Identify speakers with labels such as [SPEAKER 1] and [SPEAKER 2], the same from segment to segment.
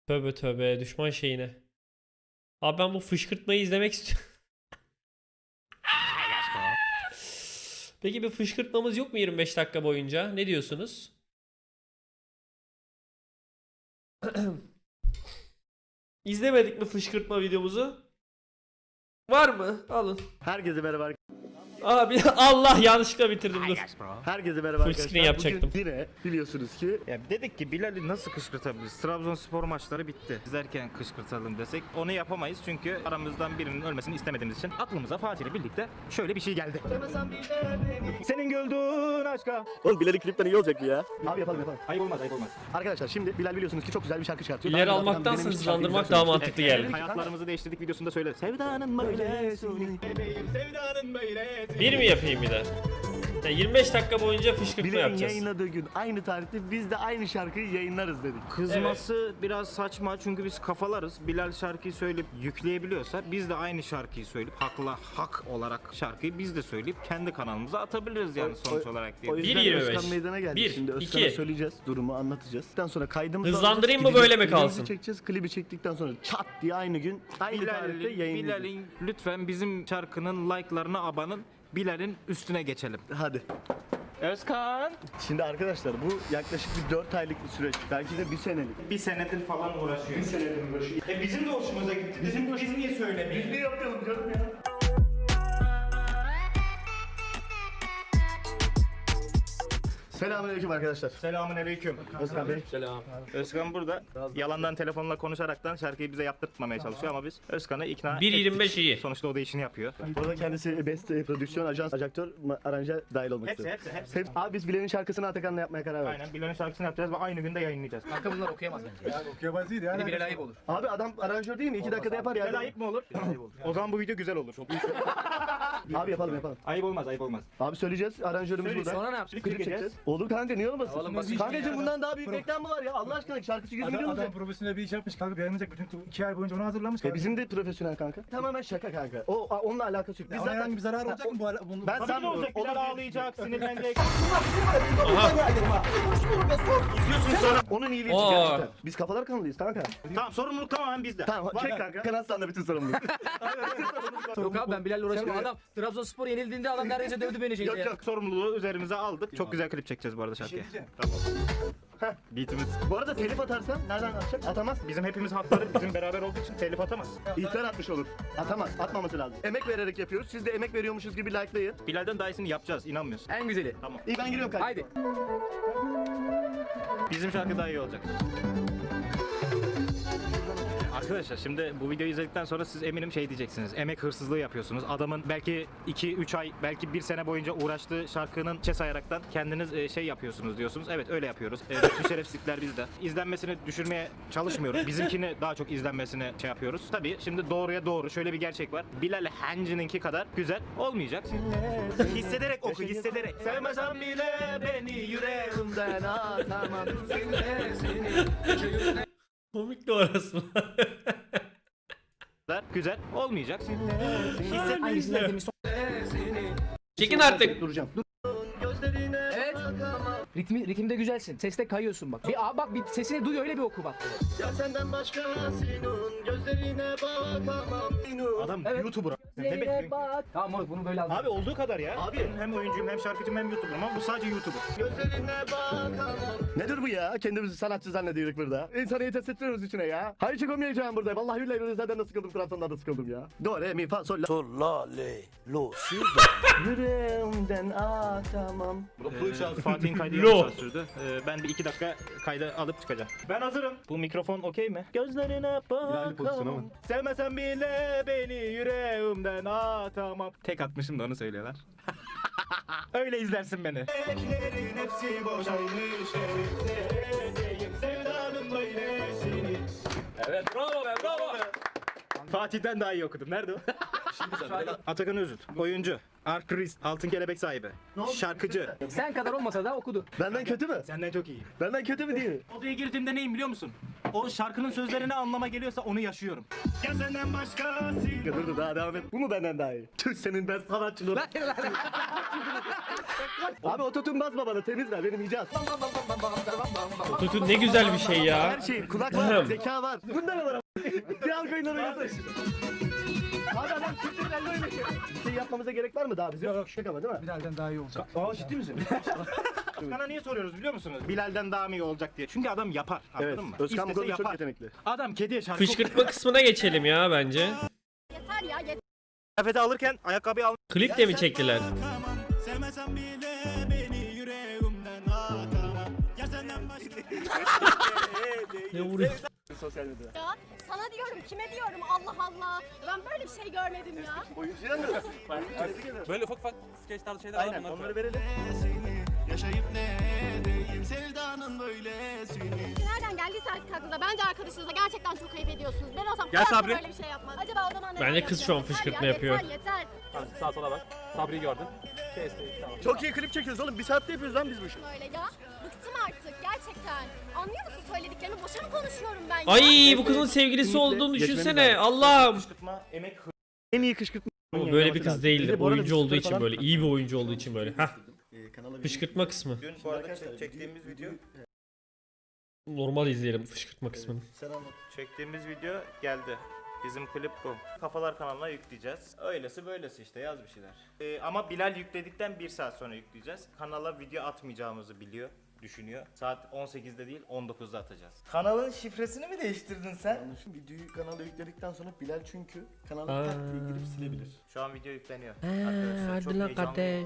[SPEAKER 1] Tövbe tövbe düşman şeyine. Abi ben bu fışkırtmayı izlemek istiyorum. Peki bir fışkırtmamız yok mu 25 dakika boyunca? Ne diyorsunuz? İzlemedik mi fışkırtma videomuzu? Var mı? Alın.
[SPEAKER 2] Herkese merhaba.
[SPEAKER 1] Abi Allah yanlışlıkla bitirdim dur.
[SPEAKER 2] Herkese merhaba
[SPEAKER 1] Full
[SPEAKER 2] arkadaşlar.
[SPEAKER 1] screen yapacaktım.
[SPEAKER 2] Bugün yine biliyorsunuz ki
[SPEAKER 3] Ya dedik ki Bilal'i nasıl kışkırtabiliriz? Trabzonspor maçları bitti. İzlerken kışkırtalım desek onu yapamayız çünkü aramızdan birinin ölmesini istemediğimiz için aklımıza Fatih ile birlikte şöyle bir şey geldi. Senin güldüğün aşka.
[SPEAKER 2] oğlum Bilal'in klipten iyi olacak ya. Abi yapalım.
[SPEAKER 3] Ayıp olmaz, ayıp olmaz.
[SPEAKER 2] Arkadaşlar şimdi Bilal biliyorsunuz ki çok güzel bir şarkı çıkartıyor.
[SPEAKER 1] İleri
[SPEAKER 2] Daha önce
[SPEAKER 1] almaktansa
[SPEAKER 2] zaten benim
[SPEAKER 1] hızlandırmak
[SPEAKER 2] şarkıyı
[SPEAKER 1] daha
[SPEAKER 2] güzel
[SPEAKER 1] mantıklı
[SPEAKER 2] söylemiştim.
[SPEAKER 1] geldi.
[SPEAKER 3] Hayatlarımızı değiştirdik videosunda söyledi. Sevdanın böyle suni. Bebeğim sevdanın böyle.
[SPEAKER 1] Bir mi yapayım bir de? Ya 25 dakika boyunca fışkırtma
[SPEAKER 2] Bilal'in
[SPEAKER 1] yapacağız.
[SPEAKER 2] yayınladığı gün aynı tarihte biz de aynı şarkıyı yayınlarız dedik.
[SPEAKER 3] Kızması biraz saçma çünkü biz kafalarız. Bilal şarkıyı söyleyip yükleyebiliyorsa biz de aynı şarkıyı söyleyip hak olarak şarkıyı biz de söyleyip kendi kanalımıza atabiliriz yani sonuç olarak diye.
[SPEAKER 2] O yüzden
[SPEAKER 1] 1.25.
[SPEAKER 2] Özkan meydana geldi.
[SPEAKER 1] Bir,
[SPEAKER 2] Şimdi Özkan'a
[SPEAKER 1] iki.
[SPEAKER 2] söyleyeceğiz, durumu anlatacağız. Ondan sonra kaydımızı
[SPEAKER 1] Hızlandırayım mı,
[SPEAKER 2] alacağız,
[SPEAKER 1] böyle mi
[SPEAKER 2] klibimizi
[SPEAKER 1] kalsın?
[SPEAKER 2] çekeceğiz. Klibi çektikten sonra çat diye aynı gün aynı tarihte yayınlayacağız.
[SPEAKER 3] Bilal'in lütfen bizim şarkının like'larına abanın. Bilal'in üstüne geçelim.
[SPEAKER 2] Hadi.
[SPEAKER 3] Özkan.
[SPEAKER 2] Şimdi arkadaşlar bu yaklaşık bir 4 aylık bir süreç. Belki de bir senelik.
[SPEAKER 3] Bir senedir falan uğraşıyor.
[SPEAKER 2] Bir senedir uğraşıyor.
[SPEAKER 3] Bizim de hoşumuza gitti. Biz niye söylemiyoruz?
[SPEAKER 2] Ne yapalım canım ya? Selamünaleyküm arkadaşlar.
[SPEAKER 3] Selamünaleyküm.
[SPEAKER 2] Özkan Bey.
[SPEAKER 3] Özkan burada yalandan telefonla konuşaraktan şarkıyı bize yaptırtmamaya çalışıyor ama biz Özkan'ı ikna
[SPEAKER 1] 1.25
[SPEAKER 3] ettik.
[SPEAKER 1] iyi.
[SPEAKER 3] Sonuçta o da işini yapıyor.
[SPEAKER 2] Burada kendisi best prodüksiyon, ajans, ajaktör, aranje dahil olmak
[SPEAKER 3] Hepsi,
[SPEAKER 2] üzere.
[SPEAKER 3] hepsi.
[SPEAKER 2] Abi biz Bilal'in şarkısını Atakan'la yapmaya karar verdik.
[SPEAKER 3] Aynen Bilal'in şarkısını yapacağız ve aynı günde yayınlayacağız.
[SPEAKER 4] Kanka bunlar okuyamaz bence. Yani okuyamaz değil yani. Bilal ayıp olur.
[SPEAKER 2] Abi adam aranjör değil mi? 2 dakikada yapar
[SPEAKER 3] Bilal
[SPEAKER 2] yani.
[SPEAKER 3] ayıp mı olur? O zaman bu video güzel olur.
[SPEAKER 2] Abi yapalım.
[SPEAKER 3] Ayıp olmaz, ayıp olmaz.
[SPEAKER 2] Abi söyleyeceğiz. Aranjörümüz burada.
[SPEAKER 4] Sonra ne yapacağız?
[SPEAKER 2] Klip çekeceğiz. Olur kanka niye olmasın?
[SPEAKER 4] Oğlum basit
[SPEAKER 2] Kankacığım
[SPEAKER 4] ya.
[SPEAKER 2] bundan daha büyük reklam mı var ya? Allah aşkına şarkısı 100 milyon
[SPEAKER 5] Adam
[SPEAKER 2] olacak.
[SPEAKER 5] profesyonel bir iş yapmış kanka, beğenilecek bütün 2 ay boyunca onu hazırlamış.
[SPEAKER 2] Bizim de profesyonel kanka. Tamamen şaka kanka. Onunla alakası yok. Biz
[SPEAKER 5] Biz herhangi bir zarar olacak mı bu ara?
[SPEAKER 2] Ben
[SPEAKER 3] Tabii ki
[SPEAKER 2] sanmıyorum.
[SPEAKER 3] olacak. Bilal ağlayacak, sinirlenecek.
[SPEAKER 2] Onun iyiliği
[SPEAKER 1] Oo.
[SPEAKER 2] için gerçekten. Biz kafalar kanalıyız kanka.
[SPEAKER 3] Tamam, sorumluluk tamamen bizde.
[SPEAKER 2] Tamam çek kanka. Kanal sende bütün sorumluluk.
[SPEAKER 4] Yok abi ben Bilal'le uğraşamam. Adam Trabzonspor yenildiğinde adam neredeyse dövdü beni şeyde.
[SPEAKER 2] Yok yok.
[SPEAKER 3] Sorumluluğu üzerimize aldık. Çok güzel klip çekeceğiz bu arada şarkıya. Beatimiz.
[SPEAKER 2] Bu arada telif atarsan nereden atacak? Atamaz.
[SPEAKER 3] Bizim hepimiz hatları bizim beraber olduğu için telif atamaz.
[SPEAKER 2] İhtar atmış olur. Atamaz. Atmaması lazım. Emek vererek yapıyoruz. Siz de emek veriyormuşuz gibi likelayın.
[SPEAKER 3] Bilal'den daha iyisini yapacağız, inanmıyorsun.
[SPEAKER 4] En güzeli.
[SPEAKER 3] Tamam.
[SPEAKER 2] İyi ben giriyorum kanka.
[SPEAKER 4] Haydi.
[SPEAKER 3] Bizim şarkı daha iyi olacak. Arkadaşlar şimdi bu videoyu izledikten sonra siz eminim şey diyeceksiniz. Emek hırsızlığı yapıyorsunuz. Adamın belki 2-3 ay, belki 1 sene boyunca uğraştığı şarkının çe sayaraktan kendiniz şey yapıyorsunuz diyorsunuz. Evet öyle yapıyoruz. Bütün şerefsizlikler bizde. İzlenmesini düşürmeye çalışmıyoruz. Bizimkini daha çok izlenmesini şey yapıyoruz. Tabii şimdi doğruya doğru şöyle bir gerçek var. Bilal Hancı'nınki kadar güzel olmayacak. Hissederek oku, hissederek. Sevmesen bile beni yüreğimden atamam.
[SPEAKER 1] Komik de orası.
[SPEAKER 3] Güzel olmayacak.
[SPEAKER 4] Hangisinden demiş?
[SPEAKER 1] Çekin artık.
[SPEAKER 2] Duracağım. Dur.
[SPEAKER 4] Evet. Ritimde güzelsin. Seste kayıyorsun bak. Bak bir sesini duy öyle bir oku bak.
[SPEAKER 2] Ya senden başkasının gözlerine bakamam.
[SPEAKER 3] Adam
[SPEAKER 4] Evet.
[SPEAKER 3] YouTuber. Ne
[SPEAKER 4] Zeynep
[SPEAKER 3] bekliyorsun?
[SPEAKER 4] bak. Tamam moruk bunu böyle al.
[SPEAKER 3] Abi olduğu kadar ya.
[SPEAKER 2] Abi.
[SPEAKER 3] Ben hem oyuncuyum hem şarkıcıyım hem YouTuber'ım ama bu sadece YouTuber.
[SPEAKER 2] Gözlerine bakamam. Nedir bu ya? Kendimizi sanatçı zannediyoruz burada. İnsanı yetes ettiriyoruz içine ya. Hayır çıkamayacağım burada. Vallahi billahi zaten da sıkıldım. Trabzon'dan da sıkıldım ya. Do, re, mi, fa, sol, la.
[SPEAKER 6] Sol, la, le, lo, si, do.
[SPEAKER 2] Yüreğimden atamam.
[SPEAKER 3] Fatih'in kaydı
[SPEAKER 1] Lo.
[SPEAKER 3] yarım saat sürdü. Ben bir 2 dakika kaydı alıp çıkacağım. Ben hazırım. Bu mikrofon okey mi? Gözlerine bakamam. Sevmesen bile beni yüreğimden atamam. Tek atmışım da onu söylüyorlar. Öyle izlersin beni. Hepsi boşaymış.
[SPEAKER 4] Evet bravo be bravo.
[SPEAKER 3] Fatih'ten daha iyi okudum. Nerede o? Atakan Özüt. Oyuncu. Artist. Altın kelebek sahibi. Şarkıcı.
[SPEAKER 4] Sen kadar olmasa da okudu.
[SPEAKER 2] Benden kötü mü?
[SPEAKER 3] Senden çok iyi.
[SPEAKER 2] Benden kötü mü değil mi?
[SPEAKER 3] Odaya girdiğimde neyim biliyor musun? O şarkının sözleri ne anlama geliyorsa onu yaşıyorum. Ya senden başkası.
[SPEAKER 2] Dur daha devam et. Bu mu benden daha iyi? Tüh senin ben sanatçılığım. Abi ototun basma bana temiz ver benim icaz.
[SPEAKER 1] Ototune ne güzel bir şey ya.
[SPEAKER 2] Her şey kulak var, zeka var. Bunda ne var ama? Kıyal koyunları yazın. Abi adam Türkçe elli oynuyor. Bir şey yapmamıza gerek var mı daha bize? Yok şaka ama değil mi?
[SPEAKER 5] Bilal'den daha iyi olacak.
[SPEAKER 2] Aa ciddi misin?
[SPEAKER 3] Özkan'a niye soruyoruz biliyor musunuz? Bilal'den daha mı iyi olacak diye. Çünkü adam yapar. Anladın
[SPEAKER 2] Evet.
[SPEAKER 3] mı?
[SPEAKER 2] Özkan bu
[SPEAKER 3] İstese
[SPEAKER 2] konuda çok
[SPEAKER 3] yapar.
[SPEAKER 2] yetenekli.
[SPEAKER 3] Adam kediye şarkı
[SPEAKER 1] Fışkırtma kısmına geçelim ya bence.
[SPEAKER 7] Yeter ya yeter.
[SPEAKER 3] kıyafeti alırken ayakkabıyı al.
[SPEAKER 1] Klip de mi çektiler? Ne vuruyor?
[SPEAKER 2] Sosyal medyada.
[SPEAKER 7] Ya sana diyorum kime diyorum Allah Allah. Ben böyle bir şey görmedim ya.
[SPEAKER 2] Oyuncuya mı?
[SPEAKER 8] Böyle ufak ufak skeç tarzı şeyler var
[SPEAKER 2] Aynen
[SPEAKER 8] bunlar.
[SPEAKER 2] onları verelim.
[SPEAKER 7] Nereden geldiyse artık aklınıza. Bence arkadaşınızla gerçekten çok ayıp ediyorsunuz. Ben olsam
[SPEAKER 3] Gel
[SPEAKER 7] hayatta
[SPEAKER 3] Sabri.
[SPEAKER 7] böyle bir şey yapmam. Acaba o zaman
[SPEAKER 1] Bence kız şu an
[SPEAKER 7] Yeter
[SPEAKER 1] fışkırtma
[SPEAKER 7] ya,
[SPEAKER 1] yapıyor.
[SPEAKER 7] Yeter yeter.
[SPEAKER 8] Sağ sola bak. Sabri'yi gördün. Kesti. Tamam.
[SPEAKER 2] Çok iyi klip çekiyoruz oğlum. Bir saatte yapıyoruz lan biz bu işi.
[SPEAKER 7] Böyle ya. Bıktım artık gerçekten. Anlıyor musun söylediklerimi? Boşa mı konuşuyorum ben ya?
[SPEAKER 1] Ay bu kızın sevgilisi olduğunu düşünsene. Allah'ım.
[SPEAKER 3] Kışkırtma, emek
[SPEAKER 2] En iyi kışkırtma.
[SPEAKER 1] Ama böyle bir kız değildir.
[SPEAKER 2] Bu arada
[SPEAKER 1] Oyuncu olduğu
[SPEAKER 2] bir
[SPEAKER 1] için
[SPEAKER 2] falan-
[SPEAKER 1] böyle. İyi bir oyuncu olduğu için böyle. Hah.
[SPEAKER 2] Kanala
[SPEAKER 1] Fışkırtma kısmı.
[SPEAKER 3] Dün bu arada çektiğimiz video
[SPEAKER 1] Normal izleyelim fışkırtma kısmını.
[SPEAKER 2] Sen anlat.
[SPEAKER 3] çektiğimiz video geldi. Bizim klip bu. Kafalar kanalına yükleyeceğiz. Öylesi böylesi işte yaz bir şeyler. Ama Bilal yükledikten 1 saat sonra yükleyeceğiz. Kanala video atmayacağımızı biliyor, düşünüyor. Saat 18'de değil 19'da atacağız. Kanalın şifresini mi değiştirdin sen?
[SPEAKER 2] Yanlışım videoyu kanala yükledikten sonra Bilal çünkü kanala tak diye girip silebilir.
[SPEAKER 3] Şu an video yükleniyor. Arkadaşlar çok heyecanlıyım.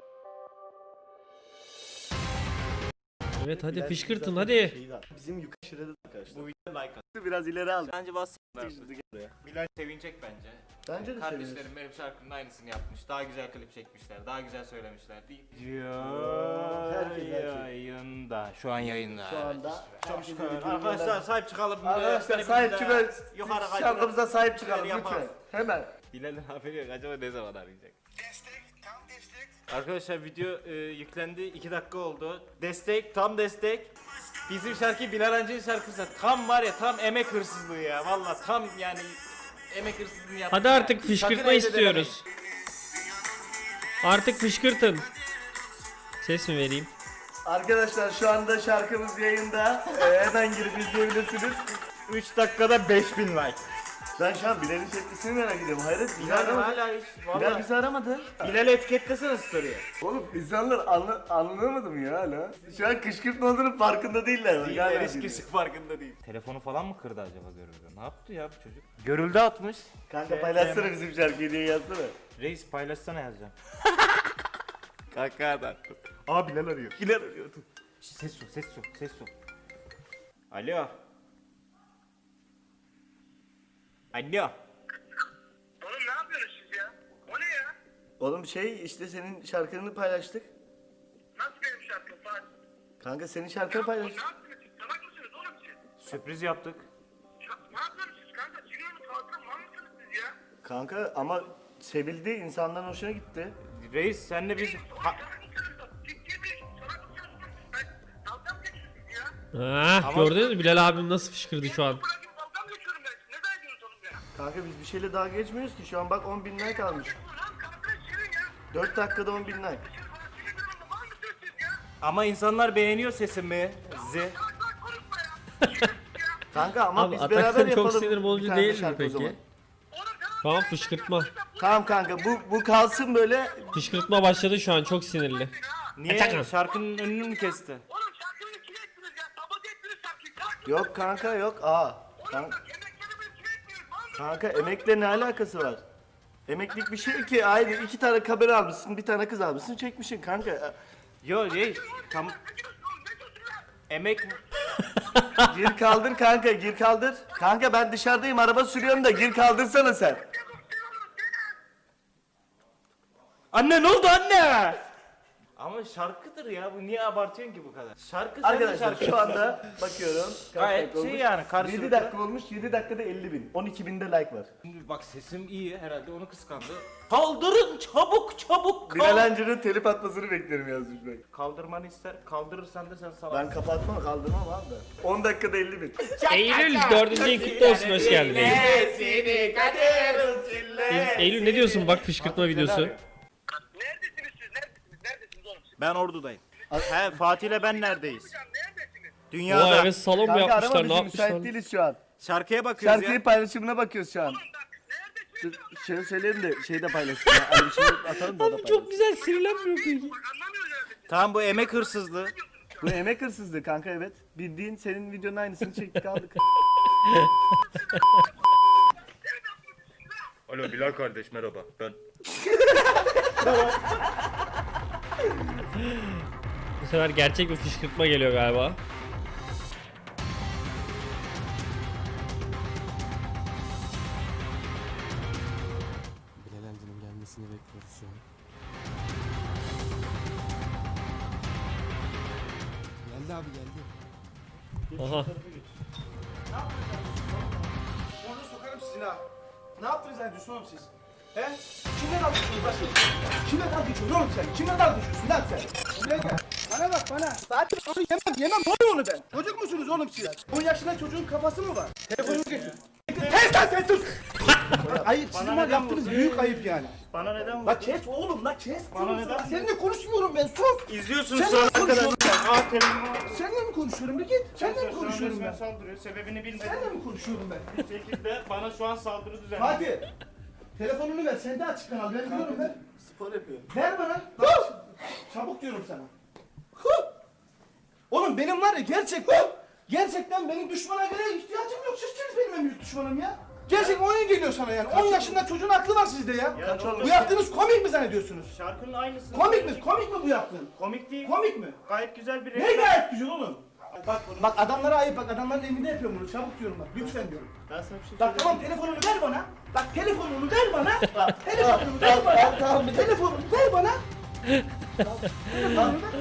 [SPEAKER 1] Evet hadi
[SPEAKER 2] Bilal
[SPEAKER 1] fışkırtın
[SPEAKER 2] zaten
[SPEAKER 1] hadi.
[SPEAKER 2] şeyi var. Bizim yukarı şurada arkadaşlar.
[SPEAKER 3] Bu video like at.
[SPEAKER 2] Biraz ileri aldı.
[SPEAKER 3] Bence bas.
[SPEAKER 2] Sıkıştırdı gel buraya.
[SPEAKER 3] Bilal sevinecek bence.
[SPEAKER 2] Bence de
[SPEAKER 3] Kardeşlerim
[SPEAKER 2] sevinir.
[SPEAKER 3] benim şarkımın aynısını yapmış. Daha güzel klip çekmişler. Daha güzel söylemişler değil.
[SPEAKER 2] Herkes.
[SPEAKER 3] Yayında. Şu an yayında.
[SPEAKER 2] Şu anda herkesin videoyu
[SPEAKER 3] Arkadaşlar
[SPEAKER 2] gönder-
[SPEAKER 3] sahip çıkalım.
[SPEAKER 2] Arkadaşlar sahip çıkın.
[SPEAKER 3] Yukarı kaydıralım.
[SPEAKER 2] Şarkımıza sahip çıkalım
[SPEAKER 3] Yapalım.
[SPEAKER 2] lütfen. Hemen.
[SPEAKER 3] Bilal'in haberi yok. Acaba ne zaman arayacak? Arkadaşlar video yüklendi. 2 dakika oldu. Destek, tam destek. Bizim şarkı Bilal Hancı'nın şarkısı. Tam var ya tam emek hırsızlığı ya. Valla tam yani emek hırsızlığı yaptı.
[SPEAKER 1] Hadi artık fışkırtma istiyoruz. Artık fışkırtın. Ses mi vereyim?
[SPEAKER 2] Arkadaşlar şu anda şarkımız yayında. Hemen girip izleyebilirsiniz.
[SPEAKER 3] 3 dakikada 5000 like.
[SPEAKER 2] Ben şu an Bilal'in tepkisini merak ediyorum. Hayret Bilal
[SPEAKER 3] Bilal
[SPEAKER 2] aramadı.
[SPEAKER 3] hala hiç.
[SPEAKER 2] Bilal
[SPEAKER 3] Valla.
[SPEAKER 2] bizi aramadı.
[SPEAKER 3] Bilal'i etiketlesene story'e.
[SPEAKER 2] Oğlum insanlar anlamadı mı ya hala? Şu an kışkırtma olduğunun farkında değiller. Bak, hala
[SPEAKER 3] Hiç
[SPEAKER 2] dinliyor.
[SPEAKER 3] kişi farkında değil. Telefonu falan mı kırdı acaba görüldü? Ne yaptı ya bu çocuk? Görüldü atmış.
[SPEAKER 2] Kanka paylaşsana bizim şarkıyı diye yazsana.
[SPEAKER 3] Reis paylaşsana yazacağım. Kanka da. Aa Bilal arıyor. Bilal arıyor. Dur. Ses su, ses su, ses su. Alo. Alo.
[SPEAKER 9] Oğlum ne yapıyorsunuz siz ya? O ne ya?
[SPEAKER 2] Oğlum şey işte senin şarkını paylaştık.
[SPEAKER 9] Nasıl benim şarkım Fatih?
[SPEAKER 2] Kanka senin şarkını
[SPEAKER 9] Ne
[SPEAKER 2] paylaştık.
[SPEAKER 9] yaptınız siz? Salak mısınız oğlum siz?
[SPEAKER 3] Sürpriz yaptık.
[SPEAKER 9] Ne yapıyorsunuz siz kanka? Siniyor mu kalkın mal mısınız siz ya?
[SPEAKER 2] Kanka ama sevildi, insanların hoşuna gitti.
[SPEAKER 3] Reis senle biz...
[SPEAKER 9] Salak mısınız? Ciddi bir salak mısınız? Ben dalga mı geçiyorsunuz ya?
[SPEAKER 1] Ah gördünüz mü Bilal abim nasıl fışkırdı şu an.
[SPEAKER 9] Bırakın dalga mı geçiyorum ben? Ne derdiniz oğlum ya?
[SPEAKER 2] Kanka biz bir şeyle daha geçmiyoruz ki şu an bak 10.000 like almış.
[SPEAKER 9] Lan kanka senin ya.
[SPEAKER 2] 4 dakikada 10.000 like.
[SPEAKER 9] Siz bana sinir durumda mal mısınız siz ya?
[SPEAKER 3] Ama insanlar beğeniyor sesimi.
[SPEAKER 9] Salak konuşma ya.
[SPEAKER 2] Kanka ama
[SPEAKER 1] Abi
[SPEAKER 2] biz
[SPEAKER 1] Atakan
[SPEAKER 2] beraber
[SPEAKER 1] çok
[SPEAKER 2] yapalım.
[SPEAKER 1] sinir
[SPEAKER 2] bir
[SPEAKER 1] bozucu
[SPEAKER 2] tane
[SPEAKER 1] değil mi
[SPEAKER 2] şarkı o
[SPEAKER 1] peki?
[SPEAKER 2] zaman.
[SPEAKER 1] Şu an fışkırtma.
[SPEAKER 2] Tamam kanka bu kalsın böyle.
[SPEAKER 1] Fışkırtma başladı şu an çok sinirli.
[SPEAKER 3] Niye?
[SPEAKER 1] Atakan.
[SPEAKER 3] Şarkının önünü mü kesti?
[SPEAKER 9] Oğlum şarkıyı kime ettiniz ya? Sabote ettiniz şarkıyı. Kalk.
[SPEAKER 2] Yok kanka yok. Aa.
[SPEAKER 9] Oğlum bak emeklerimi kime ettiniz? Mal mısınız?
[SPEAKER 2] Kanka emekle ne alakası var? Emeklilik bir şey ki aynı 2 tane kamera almışsın, bir tane kız almışsın, çekmişsin kanka.
[SPEAKER 3] Yo reis. Tam...
[SPEAKER 9] Ne diyorsun oğlum? Ne diyorsun lan?
[SPEAKER 3] Emek...
[SPEAKER 2] Gir kaldır kanka, gir kaldır. Kanka ben dışarıdayım, araba sürüyorum da gir kaldırsana sen.
[SPEAKER 3] Anne ne oldu anne? Ama şarkıdır ya. Bu niye abartıyorsun ki bu kadar? Şarkı
[SPEAKER 2] Arkadaşlar şu anda bakıyorum. Kaç
[SPEAKER 3] Gayet
[SPEAKER 2] dakika
[SPEAKER 3] şey
[SPEAKER 2] olmuş?
[SPEAKER 3] yani, karşılıklı.
[SPEAKER 2] 7 dakika olmuş. 7 dakikada 50 bin. 12 binde like var.
[SPEAKER 3] Şimdi bak sesim iyi herhalde onu kıskandı. Kaldırın çabuk çabuk
[SPEAKER 2] Bilal Hancı'nın telif atmasını beklerim yazmış bak.
[SPEAKER 3] Kaldırmanı ister. Kaldırırsan da sen salak.
[SPEAKER 2] Ben kapatmam kaldırmam abi de. 10 dakikada 50 bin.
[SPEAKER 1] Eylül 4. ayın kutlu olsun, hoş geldin Eylül.
[SPEAKER 2] Seni kaderin sille.
[SPEAKER 1] Eylül ne diyorsun bak fışkırtma videosu.
[SPEAKER 9] Neredesiniz siz? Neredesiniz oğlum siz?
[SPEAKER 3] Ben Ordu'dayım. He Fatih'le ben neredeyiz?
[SPEAKER 9] Hocam neredesiniz?
[SPEAKER 3] Dünyada.
[SPEAKER 1] Vay evet, salon mu
[SPEAKER 2] Kanka arama
[SPEAKER 1] yapmışlar, ne
[SPEAKER 2] bizi, müsait
[SPEAKER 1] yapmışlar?
[SPEAKER 2] değiliz şu an.
[SPEAKER 3] Şarkıya bakıyoruz
[SPEAKER 2] Şarkıyı
[SPEAKER 3] ya.
[SPEAKER 2] paylaşımına bakıyoruz şu an.
[SPEAKER 9] Neredesiniz?
[SPEAKER 2] Şöyle söyleyelim de şeyi de paylaşsın ya. Hani bir şey atalım da o da
[SPEAKER 1] Abi
[SPEAKER 2] paylaşsın.
[SPEAKER 1] çok güzel, sinirlenmiyor peki.
[SPEAKER 9] Anlamıyorum neredesiniz.
[SPEAKER 3] Tamam bu emek hırsızlığı.
[SPEAKER 2] Bu emek hırsızlığı kanka, evet. Bildiğin senin videonun aynısını çektik aldık.
[SPEAKER 3] Alo Bilal kardeş merhaba ben.
[SPEAKER 1] Bu sefer gerçek bir fışkırtma geliyor galiba.
[SPEAKER 6] Bilal Hancı'nın gelmesini bekliyoruz şu an. Geldi abi geldi.
[SPEAKER 1] Aha.
[SPEAKER 5] Onu sokarım sizin ha. Ne yaptınız zannediyorsun oğlum siz? He? Kimle dalga geçiyorsun başka? Kimle dalga geçiyorsun oğlum sen? Kimle dalga geçiyorsun lan sen? Buraya gel. Bana bak bana. Zaten onu yemem onu ben. Çocuk musunuz oğlum siz? 10 yaşında çocuğun kafası mı var? Telefonumu getir. Kes lan sen sus! Ayıp, sizin var yaptığınız büyük ayıp yani.
[SPEAKER 3] Bana neden
[SPEAKER 5] La kes oğlum la kes.
[SPEAKER 3] Bana neden?
[SPEAKER 5] Seninle konuşmuyorum ben sus.
[SPEAKER 3] İzliyorsunuz
[SPEAKER 5] Sen
[SPEAKER 3] sonra
[SPEAKER 5] ne konuşuyorsun?
[SPEAKER 3] arkadaşlar. Telefonuma.
[SPEAKER 5] Seninle mi konuşuyorum bir git. Seninle mi konuşuyorum ben?
[SPEAKER 3] Saldırıyor. Sebebini bilmedim.
[SPEAKER 5] Seninle mi konuşuyorum ben?
[SPEAKER 3] Bir şekilde bana şu an saldırı düzenliyor.
[SPEAKER 5] Fatih. Telefonunu ver. Sende açık kanal. Ben biliyorum ver.
[SPEAKER 2] Spor yapıyorum.
[SPEAKER 5] Ver bana. Çabuk diyorum sana. Oğlum benim var ya gerçekten benim düşmana göre ihtiyacım yok. Sizsiniz benim en büyük düşmanım ya. Gerçekten oyun geliyor sana yani. 10 yaşında çocuğun aklı var sizde ya. Bu yaptığınız komik mi zannediyorsunuz?
[SPEAKER 3] Şarkının aynısı.
[SPEAKER 5] Komik mi? Komik mi bu yaptığın?
[SPEAKER 3] Komik değil.
[SPEAKER 5] Komik mi?
[SPEAKER 3] Gayet güzel bir
[SPEAKER 5] Ne gayet güzel oğlum. Bak adamlara ayıp bak adamların elinde yapıyorum bunu. Çabuk diyorum bak. Lütfen diyorum.
[SPEAKER 2] Ben sana bir şey
[SPEAKER 5] Bak tamam telefonunu ver bana. Bak telefonunu ver bana. Telefonunu ver bana. Tamam telefonunu ver bana. Telefonunu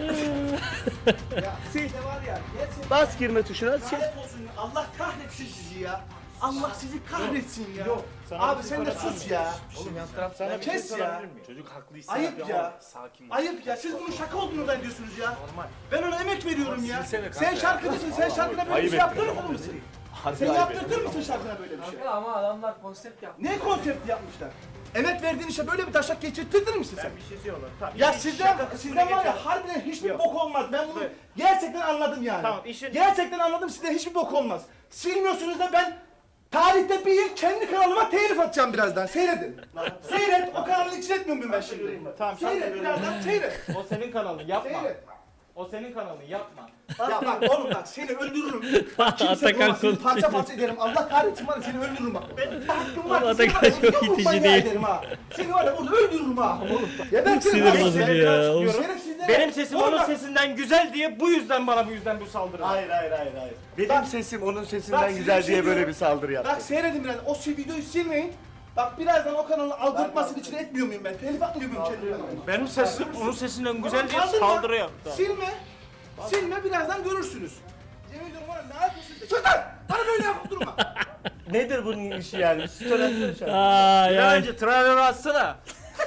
[SPEAKER 5] ver. Ya siz de var ya. Gerçekten
[SPEAKER 2] Bas girme tuşuna. Şey.
[SPEAKER 5] lanet olsun. Allah kahretsin sizi ya. Allah sizi kahretsin ya.
[SPEAKER 3] Sana
[SPEAKER 5] Abi
[SPEAKER 3] bir şey
[SPEAKER 5] sen de
[SPEAKER 3] sorabilir
[SPEAKER 5] sus
[SPEAKER 3] miyim?
[SPEAKER 5] ya.
[SPEAKER 3] Oğlum yan taraf sana bir şey
[SPEAKER 5] Kes ya.
[SPEAKER 3] sorabilir miyim? Çocuk haklıysa
[SPEAKER 5] Ayıp ya.
[SPEAKER 3] sakin ol.
[SPEAKER 5] Ayıp ya. Siz bunun şaka olduğunu zannediyorsunuz ya.
[SPEAKER 3] Normal.
[SPEAKER 5] Ben ona emek veriyorum ya.
[SPEAKER 3] silsene kanka
[SPEAKER 5] Sen
[SPEAKER 3] ya.
[SPEAKER 5] şarkıcısın. Sen şarkına böyle bir şey yaptırır mısın? Sen yaptırtır mısın şarkına böyle bir şey?
[SPEAKER 4] Ama adamlar konsept yaptı.
[SPEAKER 5] Ne konsept yapmışlar? Emek verdiğin işe böyle bir taşak geçirtirdin misin sen?
[SPEAKER 3] Bir şey diyorlar. Tamam.
[SPEAKER 5] Ya
[SPEAKER 3] işin
[SPEAKER 5] sizden
[SPEAKER 3] şaka kısmına
[SPEAKER 5] var
[SPEAKER 3] geçelim.
[SPEAKER 5] ya harbiden hiçbir
[SPEAKER 3] Yok.
[SPEAKER 5] bok olmaz. Ben bunu
[SPEAKER 3] Evet.
[SPEAKER 5] gerçekten anladım yani.
[SPEAKER 3] Tamam, işin-
[SPEAKER 5] Gerçekten anladım sizden hiçbir bok olmaz. Silmiyorsunuz da ben tarihte bir yıl kendi kanalıma telif atacağım birazdan. Seyredin. Seyret. O kanalı için etmiyor muyum ben şimdi?
[SPEAKER 3] Tamam sen de
[SPEAKER 5] Seyret
[SPEAKER 3] görüyorum.
[SPEAKER 5] birazdan seyret.
[SPEAKER 3] O senin kanalın yapma.
[SPEAKER 5] Seyret.
[SPEAKER 3] O senin kanalın yapma.
[SPEAKER 5] Ya bak oğlum bak seni öldürürüm. Bak kimse
[SPEAKER 1] Atakan
[SPEAKER 5] bulamaz, seni
[SPEAKER 1] konuşuyor.
[SPEAKER 5] parça parça ederim. Allah kahretsin var ya seni öldürürüm bak. Hakkım var.
[SPEAKER 1] Oğlum
[SPEAKER 5] seni
[SPEAKER 1] Atakan
[SPEAKER 5] var ya,
[SPEAKER 1] çok
[SPEAKER 5] yumruk
[SPEAKER 1] itici
[SPEAKER 5] manyağı
[SPEAKER 1] değil.
[SPEAKER 5] ederim ha. Seni var ya burada öldürürüm ha. Ya ben
[SPEAKER 1] Sinir
[SPEAKER 5] seni
[SPEAKER 1] bozucu
[SPEAKER 5] var
[SPEAKER 1] ya.
[SPEAKER 5] Oğlum,
[SPEAKER 3] Çıkıyorum.
[SPEAKER 5] şerefsizlere-
[SPEAKER 3] Benim sesim
[SPEAKER 5] Oğlum
[SPEAKER 3] onun
[SPEAKER 5] bak,
[SPEAKER 3] sesinden güzel diye bu yüzden bana bu yüzden bu saldırı.
[SPEAKER 2] Hayır. Benim sesim onun sesinden
[SPEAKER 5] Bak,
[SPEAKER 2] güzel
[SPEAKER 5] size
[SPEAKER 2] diye
[SPEAKER 5] bir şey
[SPEAKER 2] böyle
[SPEAKER 5] diyorum.
[SPEAKER 2] bir saldırı yaptı.
[SPEAKER 5] Bak seyredin biraz. O videoyu silmeyin. Bak birazdan o kanalın algoritmasının içine etmiyor muyum ben? Telif atmıyor muyum kendi kanalıma?
[SPEAKER 3] Benim sesim onun sesinden güzel diye
[SPEAKER 5] Kaldırma.
[SPEAKER 3] saldırı yaptı.
[SPEAKER 5] Silme. Silme birazdan görürsünüz. Yemin ediyorum var ya, ne yapıyorsunuz? Sus lan! Bana böyle yapıp durma.
[SPEAKER 2] Nedir bunun işi yani? Story atsana şu an.
[SPEAKER 1] Ay
[SPEAKER 3] Ya
[SPEAKER 1] ay.
[SPEAKER 3] önce trailer atsana.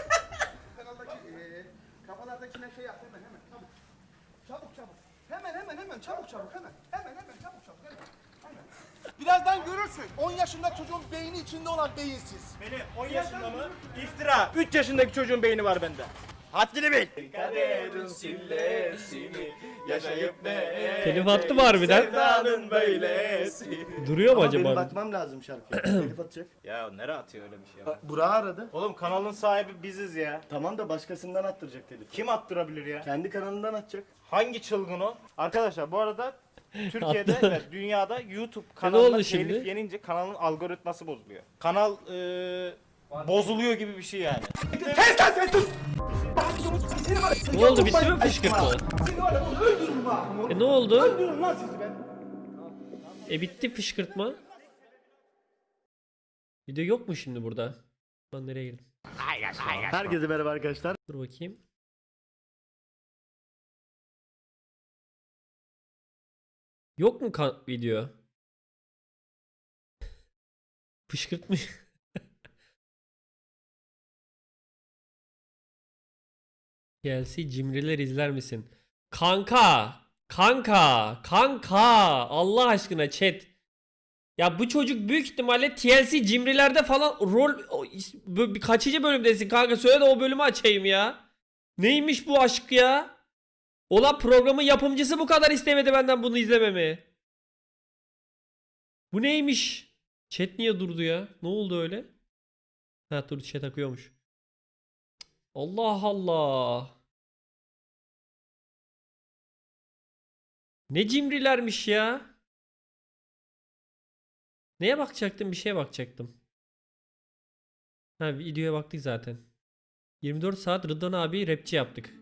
[SPEAKER 5] Kanaldaki kafalardakiler şey yap hemen çabuk. Çabuk. Hemen çabuk hemen. Hemen çabuk hemen. Birazdan görürsün. 10 yaşında çocuğun beyni içinde olan beyinsiz.
[SPEAKER 3] Benim 10 yaşında mı? İftira. 3 yaşındaki çocuğun beyni var bende. Haddini bil. Kaderin sillesini yaşayıp ne?
[SPEAKER 1] Telif attı mı harbiden?
[SPEAKER 3] Sevdanın böylesi.
[SPEAKER 1] Duruyor mu
[SPEAKER 2] Ama benim
[SPEAKER 1] acaba?
[SPEAKER 2] bakmam lazım şarkıya. Telif atacak.
[SPEAKER 3] Ya nereye atıyor öyle bir şey ya?
[SPEAKER 2] Burak'ı aradı.
[SPEAKER 3] Oğlum kanalın sahibi biziz ya.
[SPEAKER 2] Tamam da başkasından attıracak telif.
[SPEAKER 3] Kim attırabilir ya?
[SPEAKER 2] Kendi kanalından atacak.
[SPEAKER 3] Hangi çılgın o? Arkadaşlar bu arada Türkiye'de
[SPEAKER 1] Attı.
[SPEAKER 3] ve dünyada YouTube
[SPEAKER 1] oldu
[SPEAKER 3] kanalına telif
[SPEAKER 1] şimdi?
[SPEAKER 3] yenince kanalın algoritması bozuluyor. Kanal bozuluyor gibi bir şey yani.
[SPEAKER 5] Kes lan sen sus! Seni var ya,
[SPEAKER 1] Ne oldu, bitti mi
[SPEAKER 5] yapmayın,
[SPEAKER 1] fışkırtma?
[SPEAKER 5] Seni var ya bunu öldürürüm ha.
[SPEAKER 1] Ne oldu?
[SPEAKER 5] Öldürürüm lan sizi ben.
[SPEAKER 1] Bitti fışkırtma. Video yok mu şimdi burada? Ben nereye girdim?
[SPEAKER 2] Herkese merhaba arkadaşlar.
[SPEAKER 1] Dur bakayım. Yok mu video? Fışkırtmış. Gelsi cimriler izler misin? Kanka. Allah aşkına chat. Ya bu çocuk büyük ihtimalle TLC cimrilerde falan kaçıncı bölümdesin kanka? Söyle de o bölümü açayım ya. Neymiş bu aşk ya? Olan programın yapımcısı bu kadar istemedi benden bunu izlememi. Bu neymiş? Chat niye durdu ya? Ne oldu öyle? Ha dur chat akıyormuş. Allah Allah. Ne cimrilermiş ya. Neye bakacaktım? Bir şeye bakacaktım. Ha videoya baktık zaten. 24 saat Rıdvan abi rapçi yaptık.